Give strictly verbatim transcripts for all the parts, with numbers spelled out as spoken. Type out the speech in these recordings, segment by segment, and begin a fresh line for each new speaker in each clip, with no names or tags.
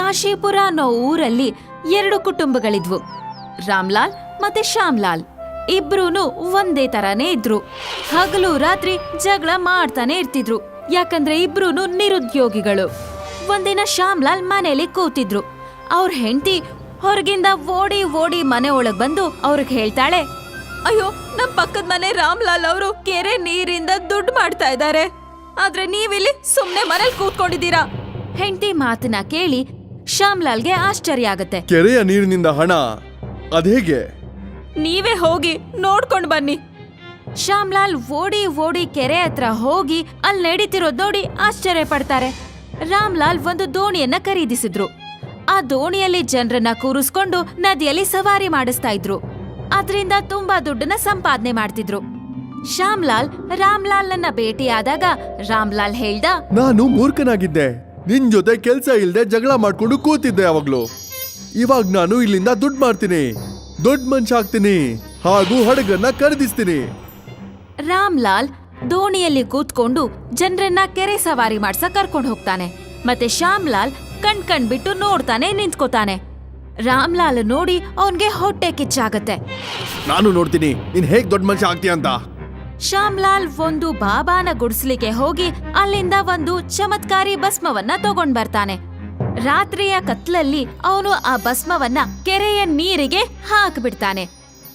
ಕಾಶಿಪುರ ಅನ್ನೋ ಊರಲ್ಲಿ ಎರಡು ಕುಟುಂಬಗಳಿದ್ವು. ರಾಮ್ಲಾಲ್ ಮತ್ತೆ ಶ್ಯಾಮ್ಲಾಲ್ ಇಬ್ರೂನು ಒಂದೇ ತರಾನೇ ಇದ್ರು. ಹಗಲು ರಾತ್ರಿ ಜಗಳ ಮಾಡ್ತಾನೆ ಇರ್ತಿದ್ರು, ಯಾಕಂದ್ರೆ ಇಬ್ರೂನು ನಿರುದ್ಯೋಗಿಗಳು. ಒಂದಿನ ಶ್ಯಾಮ್ಲಾಲ್ ಮನೇಲಿ ಕೂತಿದ್ರು. ಅವ್ರ ಹೆಂಡತಿ ಹೊರಗಿಂದ ಓಡಿ ಓಡಿ ಮನೆ ಒಳಗ್ ಬಂದು ಅವ್ರಿಗೆ ಹೇಳ್ತಾಳೆ, ಅಯ್ಯೋ, ನಮ್ ಪಕ್ಕದ ಮನೆ ರಾಮ್ಲಾಲ್ ಅವರು ಕೆರೆ ನೀರಿಂದ ದುಡ್ಡು ಮಾಡ್ತಾ ಇದ್ದಾರೆ, ಆದ್ರೆ ನೀವಿಲ್ಲಿ ಸುಮ್ನೆ ಮನೇಲಿ ಕೂತ್ಕೊಂಡಿದ್ದೀರಾ. ಹೆಂಡತಿ ಮಾತನ್ನ ಕೇಳಿ ಶ್ಯಾಮ್ಲಾಲ್ಗೆ ಆಶ್ಚರ್ಯ ಆಗತ್ತೆ.
ಕೆರೆಯ ನೀರಿನಿಂದ ಹಣ ಅದೇಗೆ?
ನೀವೇ ಹೋಗಿ ನೋಡ್ಕೊಂಡ್ ಬನ್ನಿ. ಶ್ಯಾಮ್ಲಾಲ್ ಓಡಿ ಓಡಿ ಕೆರೆ ಹತ್ರ ಹೋಗಿ ಅಲ್ಲಿ ನಡೀತಿರೋದ್ ನೋಡಿ ಆಶ್ಚರ್ಯ ಪಡ್ತಾರೆ. ರಾಮ್ಲಾಲ್ ಒಂದು ದೋಣಿಯನ್ನ ಖರೀದಿಸಿದ್ರು. ಆ ದೋಣಿಯಲ್ಲಿ ಜನರನ್ನ ಕೂರಿಸ್ಕೊಂಡು ನದಿಯಲ್ಲಿ ಸವಾರಿ ಮಾಡಿಸ್ತಾ ಇದ್ರು. ಅದರಿಂದ ತುಂಬಾ ದುಡ್ಡನ್ನ ಸಂಪಾದನೆ ಮಾಡ್ತಿದ್ರು. ಶ್ಯಾಮ್ಲಾಲ್ ರಾಮ್ಲಾಲ್ನ ಭೇಟಿಯಾದಾಗ ರಾಮ್ಲಾಲ್ ಹೇಳ್ದ,
ನಾನು ಮೂರ್ಖನಾಗಿದ್ದೆ, ನಿನ್ ಜೊತೆ ಕೆಲ್ಸ ಇಲ್ದೆ ಜಗಳ ಮಾಡ್ಕೊಂಡು ಕೂತಿದ್ದೆ ಯಾವಾಗ್ಲೂ. ಇವಾಗ ನಾನು ಇಲ್ಲಿಂದ ದುಡ್ಡು ಮಾಡ್ತೀನಿ, ದೊಡ್ಡ ಮನುಷ್ಯ ಆಗ್ತೀನಿ, ಹಾಗೂ ಹಡಗನ್ನ ಖರೀದಿಸ್ತೀನಿ.
ರಾಮ್ಲಾಲ್ ದೋಣಿಯಲ್ಲಿ ಕೂತ್ಕೊಂಡು ಜನರನ್ನ ಕೆರೆ ಸವಾರಿ ಮಾಡ್ಸ ಕರ್ಕೊಂಡು ಹೋಗ್ತಾನೆ. ಮತ್ತೆ ಶ್ಯಾಮ್ಲಾಲ್ ಕಣ್ ಕಣ್ ಬಿಟ್ಟು ನೋಡ್ತಾನೆ ನಿಂತ್ಕೋತಾನೆ. ರಾಮ್ಲಾಲ್ ನೋಡಿ ಅವನ್ಗೆ ಹೊಟ್ಟೆ ಕಿಚ್ಚಾಗತ್ತೆ.
ನಾನು ನೋಡ್ತೀನಿ ನೀನ್ ಹೇಗ್ ದೊಡ್ಡ ಮನುಷ್ಯ ಆಗ್ತೀಯ ಅಂತ.
ಶ್ಯಾಮ್ಲಾಲ್ ಒಂದು ಬಾಬಾನ ಗುಡಿಸ್ಲಿಕ್ಕೆ ಹೋಗಿ ಅಲ್ಲಿಂದ ಒಂದು ಚಮತ್ಕಾರಿ ಭಸ್ಮವನ್ನ ತಗೊಂಡ್ ಬರ್ತಾನೆ. ರಾತ್ರಿಯ ಕತ್ಲಲ್ಲಿ ಅವನು ಆ ಭಸ್ಮವನ್ನ ಕೆರೆಯ ನೀರಿಗೆ ಹಾಕ್ಬಿಡ್ತಾನೆ.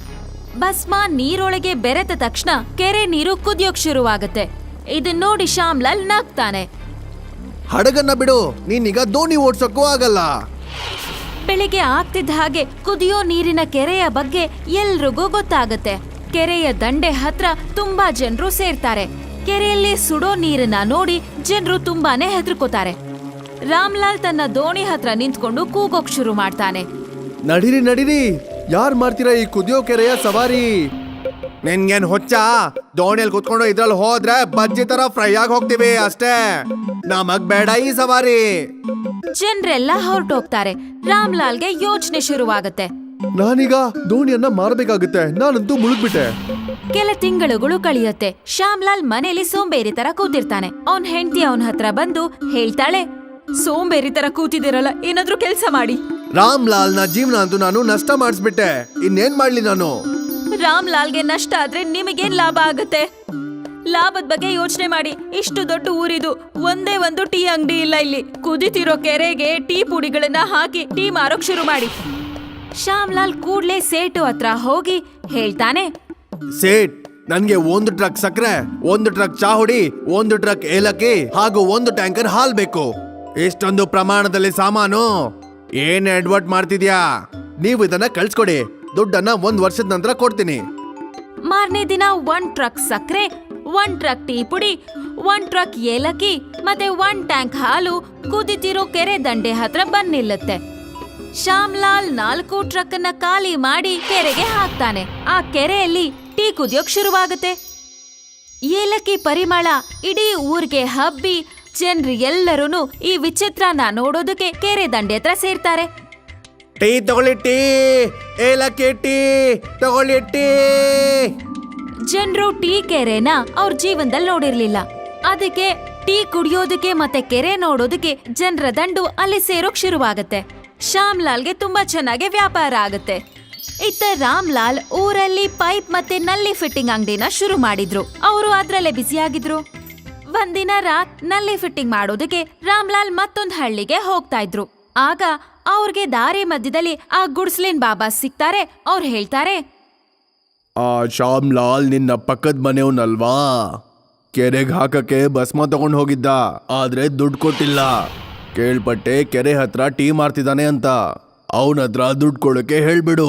ಭಸ್ಮ ನೀರೊಳಗೆ ಬೆರೆತ ತಕ್ಷಣ ಕೆರೆ ನೀರು ಕುದಿಯೋಕ್ ಶುರುವಾಗತ್ತೆ. ಇದನ್ ನೋಡಿ ಶ್ಯಾಮ್ಲಾಲ್ ನಗ್ತಾನೆ.
ಹಡಗನ್ನ ಬಿಡು, ನೀನೀಗ ದೋಣಿ ಓಡ್ಸಕ್ಕೂ ಆಗಲ್ಲ.
ಬೆಳಿಗ್ಗೆ ಆಗ್ತಿದ್ದ ಹಾಗೆ ಕುದಿಯೋ ನೀರಿನ ಕೆರೆಯ ಬಗ್ಗೆ ಎಲ್ರಿಗೂ ಗೊತ್ತಾಗತ್ತೆ. ಕೆರೆಯ ದಂಡೆ ಹತ್ರ ತುಂಬಾ ಜನರು ಸೇರ್ತಾರೆ. ಕೆರೆಯಲ್ಲಿ ಸುಡೋ ನೀರನ್ನ ನೋಡಿ ಜನರು ತುಂಬಾನೇ ಹೆದರ್ಕೋತಾರೆ. ರಾಮ್ಲಾಲ್ ತನ್ನ ದೋಣಿ ಹತ್ರ ನಿಂತ್ಕೊಂಡು ಕೂಗೋಕ್ ಶುರು ಮಾಡ್ತಾನೆ.
ನಡೀರಿ ನಡೀರಿ, ಯಾರ್ ಮಾಡ್ತೀರಾ ಈ ಕುದಿಯೋ ಕೆರೆಯ ಸವಾರಿ? ನಿನ್ಗೇನ್ ಹೊಚ್ಚ? ದೋಣಿಯಲ್ಲಿ ಕುತ್ಕೊಂಡು ಇದ್ರಲ್ಲಿ ಹೋದ್ರೆ ಬಜ್ಜಿ ತರ ಫ್ರೈ ಆಗಿ ಹೋಗ್ತೀವಿ ಅಷ್ಟೇ, ನಮಗ್ ಬೇಡ ಈ ಸವಾರಿ.
ಜನರೆಲ್ಲ ಹೊರಟೋಗ್ತಾರೆ. ರಾಮ್ಲಾಲ್ಗೆ ಯೋಚನೆ ಶುರುವಾಗತ್ತೆ.
ನಾನೀಗ ದೋಣಿಯನ್ನ ಮಾರಬೇಕಾಗುತ್ತೆ, ನಾನಂತೂ ಮುಳುಗ್ಬಿಟ್ಟೆ.
ಕೆಲ ತಿಂಗಳುಗಳು ಕಳಿಯತ್ತೆ. ಶ್ಯಾಮ್ಲಾಲ್ ಮನೇಲಿ ಸೋಂಬೇರಿ ತರ ಕೂತಿರ್ತಾನೆ. ಅವನ್ ಹೆಂಡತಿ ಅವನ ಹತ್ರ ಬಂದು ಹೇಳ್ತಾಳೆ, ಸೋಂಬೇರಿ ತರ ಕೂತಿದಿರಲ್ಲ, ಏನಾದ್ರೂ ಕೆಲ್ಸ ಮಾಡಿ.
ರಾಮ್ಲಾಲ್ ನ ಜೀವನ ಅಂತೂ ನಾನು ನಷ್ಟ ಮಾಡಿಸ್ಬಿಟ್ಟೆ, ಇನ್ನೇನ್ ಮಾಡ್ಲಿ ನಾನು?
ರಾಮ್ಲಾಲ್ಗೆ ನಷ್ಟ ಆದ್ರೆ ನಿಮಗೇನ್ ಲಾಭ ಆಗತ್ತೆ? ಲಾಭದ ಬಗ್ಗೆ ಯೋಚನೆ ಮಾಡಿ. ಇಷ್ಟು ದೊಡ್ಡ ಊರಿದು, ಒಂದೇ ಒಂದು ಟೀ ಅಂಗಡಿ ಇಲ್ಲ ಇಲ್ಲಿ. ಕುದಿತಿರೋ ಕೆರೆಗೆ ಟೀ ಪುಡಿಗಳನ್ನ ಹಾಕಿ ಟೀ ಮಾರೋಕ್ ಶುರು ಮಾಡಿ. ಶ್ಯಾಮ್ಲಾಲ್ ಕೂಡ್ಲೆ ಸೇಟು ಹತ್ರ ಹೋಗಿ ಹೇಳ್ತಾನೆ,
ಸೇಟ್, ನನ್ಗೆ ಒಂದು ಟ್ರಕ್ ಸಕ್ಕರೆ, ಒಂದು ಟ್ರಕ್ ಚಾ ಹುಡಿ, ಒಂದು ಟ್ರಕ್ ಏಲಕ್ಕಿ ಹಾಗೂ ಒಂದು ಟ್ಯಾಂಕರ್ ಹಾಲ್ ಬೇಕು. ಇಷ್ಟೊಂದು ಪ್ರಮಾಣದಲ್ಲಿ ಸಾಮಾನು ಏನ್ ಅಡ್ವರ್ಟ್ ಮಾಡ್ತಿದ್ಯಾ? ನೀವು ಇದನ್ನ ಕಳ್ಸ್ಕೊಡಿ, ದುಡ್ಡನ್ನ ಒಂದ್ ವರ್ಷದ ನಂತರ ಕೊಡ್ತೀನಿ.
ಮಾರನೇ ದಿನ ಒಂದ್ ಟ್ರಕ್ ಸಕ್ಕರೆ, ಒಂದ್ ಟ್ರಕ್ ಟೀ ಪುಡಿ, ಒಂದ್ ಟ್ರಕ್ ಏಲಕ್ಕಿ ಮತ್ತೆ ಒಂದ್ ಟ್ಯಾಂಕ್ ಹಾಲು ಕುದಿತಿರೋ ಕೆರೆ ದಂಡೆ ಹತ್ರ ಬಂದ್ ನಿಲ್ಲುತ್ತೆ. ಶ್ಯಾಮ್ಲಾಲ್ ನಾಲ್ಕು ಟ್ರಕ್ ಅನ್ನ ಖಾಲಿ ಮಾಡಿ ಕೆರೆಗೆ ಹಾಕ್ತಾನೆ. ಆ ಕೆರೆಯಲ್ಲಿ ಟೀ ಕುದಿಯೋಕ್ ಶುರುವಾಗುತ್ತೆ. ಏಲಕ್ಕಿ ಪರಿಮಳ ಇಡೀ ಊರ್ಗೆ ಹಬ್ಬಿ ಜನರು ಎಲ್ಲರೂ ಈ ವಿಚಿತ್ರನ ನೋಡೋದಕ್ಕೆ ಕೆರೆ ದಂಡೆ ಹತ್ರ ಸೇರ್ತಾರೆ.
ಟೀ ತಗೊಳ್ಳಿ, ಟೀ ಏಲಕ್ಕಿ ಟೀ ತಗೊಳ್ಳಿ, ಟೀ.
ಜನರು ಟೀ ಕೆರೆನ ಅವ್ರ ಜೀವನದಲ್ಲಿ ನೋಡಿರ್ಲಿಲ್ಲ. ಅದಕ್ಕೆ ಟೀ ಕುಡಿಯೋದಕ್ಕೆ ಮತ್ತೆ ಕೆರೆ ನೋಡೋದಕ್ಕೆ ಜನರ ದಂಡು ಅಲ್ಲಿ ಸೇರೋಕ್ ಶುರುವಾಗತ್ತೆ. ಶ್ಯಾಮ್ಲಾಲ್ಗೆ ತುಂಬಾ ಚೆನ್ನಾಗಿ ವ್ಯಾಪಾರ ಆಗತ್ತೆ. ಇತ್ತ ರಾಮ್ಲಾಲ್ ಊರಲ್ಲಿ ಪೈಪ್ ಮತ್ತೆ ನಲ್ಲಿ ಫಿಟ್ಟಿಂಗ್ ಅಂಗಡಿನ ಶುರು ಮಾಡಿದ್ರು. ಅವರು ಅದ್ರಲ್ಲೇ ಬ್ಯುಸಿ ಆಗಿದ್ರು. ಒಂದಿನ ರಾತ್ ನಲ್ಲಿ ಫಿಟ್ಟಿಂಗ್ ಮಾಡೋದಕ್ಕೆ ರಾಮ್ಲಾಲ್ ಮತ್ತೊಂದ್ ಹಳ್ಳಿಗೆ ಹೋಗ್ತಾ ಇದ್ರು. ಆಗ ಅವ್ರಿಗೆ ದಾರಿ ಮಧ್ಯದಲ್ಲಿ ಆ ಗುಡ್ಸ್ಲಿನ್ ಬಾಬಾ ಸಿಗ್ತಾರೆ. ಅವ್ರು ಹೇಳ್ತಾರೆ,
ಆ ಶ್ಯಾಮ್ಲಾಲ್ ನಿನ್ನ ಪಕ್ಕದ ಮನೆಯವನಲ್ವಾ? ಕೆರೆಗೆ ಹಾಕಕ್ಕೆ ಭಸ್ಮ ತಗೊಂಡ್ ಹೋಗಿದ್ದ, ಆದ್ರೆ ದುಡ್ಡು ಕೊಟ್ಟಿಲ್ಲ. ಕೇಳ್ಪಟ್ಟೆ ಕೆರೆ ಹತ್ರ ಟೀ ಮಾರ್ತಿದ್ದಾನೆ ಅಂತ. ಅವನ ಹತ್ರ ದುಡ್ಡು ಕೊಡೋಕೆ ಹೇಳ್ಬಿಡು.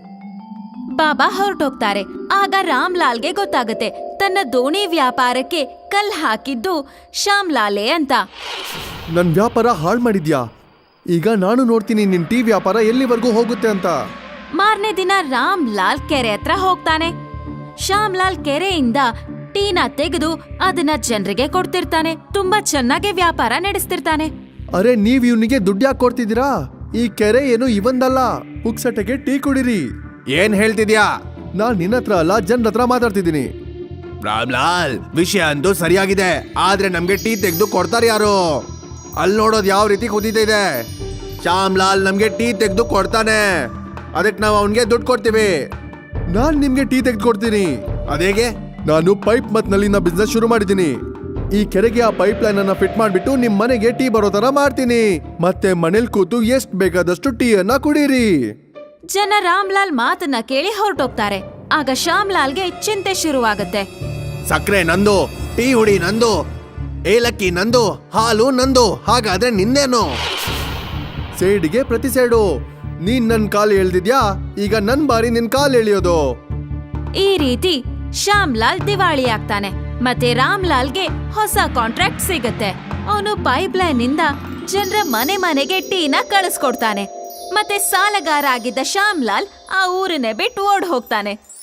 ಬಾಬಾ ಹೊರಟೋಗ್ತಾರೆ. ಆಗ ರಾಮ್ಲಾಲ್ಗೆ ಗೊತ್ತಾಗತ್ತೆ ತನ್ನ ದೋಣಿ ವ್ಯಾಪಾರಕ್ಕೆ ಕಲ್ ಹಾಕಿದ್ದು ಶ್ಯಾಮ್ಲಾಲೇ ಅಂತ.
ನನ್ ವ್ಯಾಪಾರ ಹಾಳು ಮಾಡಿದ್ಯಾ? ಈಗ ನಾನು ನೋಡ್ತೀನಿ ನಿನ್ ಟೀ ವ್ಯಾಪಾರ ಎಲ್ಲಿವರೆಗೂ ಹೋಗುತ್ತೆ ಅಂತ.
ಮಾರನೇ ದಿನ ರಾಮ್ಲಾಲ್ ಕೆರೆ ಹತ್ರ ಹೋಗ್ತಾನೆ. ಶ್ಯಾಮ್ಲಾಲ್ ಕೆರೆಯಿಂದ ಟೀನ ತೆಗೆದು ಅದನ್ನ ಜನರಿಗೆ ಕೊಡ್ತಿರ್ತಾನೆ. ತುಂಬಾ ಚೆನ್ನಾಗಿ ವ್ಯಾಪಾರ ನಡೆಸ್ತಿರ್ತಾನೆ.
ಅರೆ, ನೀವ್ ಇವನಿಗೆ ದುಡ್ಡು ಯಾಕೆ ಕೊಡ್ತಿದ್ದೀರಾ? ಈ ಕೆರೆ ಏನು ಇವಂದಲ್ಲ, ಪುಕ್ಸಟೆಗೆ ಟೀ ಕುಡಿರಿ. ಏನ್ ಹೇಳ್ತಿದ್ಯಾ? ನಾನ್ ನಿನ್ನ ಹತ್ರ ಅಲ್ಲ, ಜನರ ಹತ್ರ ಮಾತಾಡ್ತಿದ್ದೀನಿ. ರಾಮ್ಲಾಲ್, ವಿಷಯ ಅಂತೂ ಸರಿಯಾಗಿದೆ, ಆದ್ರೆ ನಮ್ಗೆ ಟೀ ತೆಗೆದು ಕೊಡ್ತಾರೆ ಯಾರು? ಅಲ್ಲಿ ನೋಡೋದು ಯಾವ ರೀತಿ ಕುದೀತಾ ಇದೆ. ಶ್ಯಾಮ್ ಲಾಲ್ ನಮ್ಗೆ ಟೀ ತೆಗೆದು ಕೊಡ್ತಾನೆ, ಅದಕ್ಕೆ ನಾವು ಅವನ್ಗೆ ದುಡ್ಡು ಕೊಡ್ತೀವಿ. ನಾನ್ ನಿಮ್ಗೆ ಟೀ ತೆಗೆದು ಕೊಡ್ತೀನಿ. ಅದೇಗೆ? ನಾನು ಪೈಪ್ ಮತ್ ನಲ್ಲಿನ ಬಿಸ್ನೆಸ್ ಶುರು ಮಾಡಿದ್ದೀನಿ. ಈ ಕೆರೆಗೆ ಆ ಪೈಪ್ ಲೈನ್ ಅನ್ನ ಫಿಟ್ ಮಾಡ್ಬಿಟ್ಟು ನಿಮ್ ಮನೆಗೆ ಟೀ ಬರೋ ತರ ಮಾಡ್ತೀನಿ. ಮತ್ತೆ ಮನೇಲಿ ಕೂತು ಎಷ್ಟ್ ಬೇಕಾದಷ್ಟು ಟೀ ಅನ್ನ ಕುಡೀರಿ.
ಜನ ರಾಮ್ಲಾಲ್ ಮಾತನ್ನ ಕೇಳಿ ಹೊರಟೋಗ್ತಾರೆ. ಆಗ ಶ್ಯಾಮ್ಲಾಲ್ಗೆ ಚಿಂತೆ ಶುರುವಾಗತ್ತೆ.
ಸಕ್ಕರೆ ನಂದು, ಟೀ ಹುಡಿ ನಂದು, ಏಲಕ್ಕಿ ನಂದು, ಹಾಲು ನಂದು, ಹಾಗಾದ್ರೆ ನಿಂದೇನು? ಸೇಡಿಗೆ ಪ್ರತಿ ಸೇಡು. ನೀನ್ ನನ್ ಕಾಲು ಎಳ್ದಿದ್ಯಾ, ಈಗ ನನ್ ಬಾರಿ ನಿನ್ ಕಾಲು ಎಳಿಯೋದು.
ಈ ರೀತಿ ಶ್ಯಾಮ್ಲಾಲ್ ದಿವಾಳಿ ಆಗ್ತಾನೆ. ಮತ್ತೆ ರಾಮ್ಲಾಲ್ಗೆ ಹೊಸ ಕಾಂಟ್ರಾಕ್ಟ್ ಸಿಗತ್ತೆ. ಅವನು ಪೈಪ್ ಲೈನ್ ಇಂದ ಜನರ ಮನೆ ಮನೆಗೆ ಟೀನ ಕಳಿಸ್ಕೊಡ್ತಾನೆ. ಮತ್ತೆ ಸಾಲಗಾರ ಆಗಿದ್ದ ಶ್ಯಾಮ್ಲಾಲ್ ಆ ಊರನ್ನೇ ಬಿಟ್ಟು ಓಡ್ ಹೋಗ್ತಾನೆ.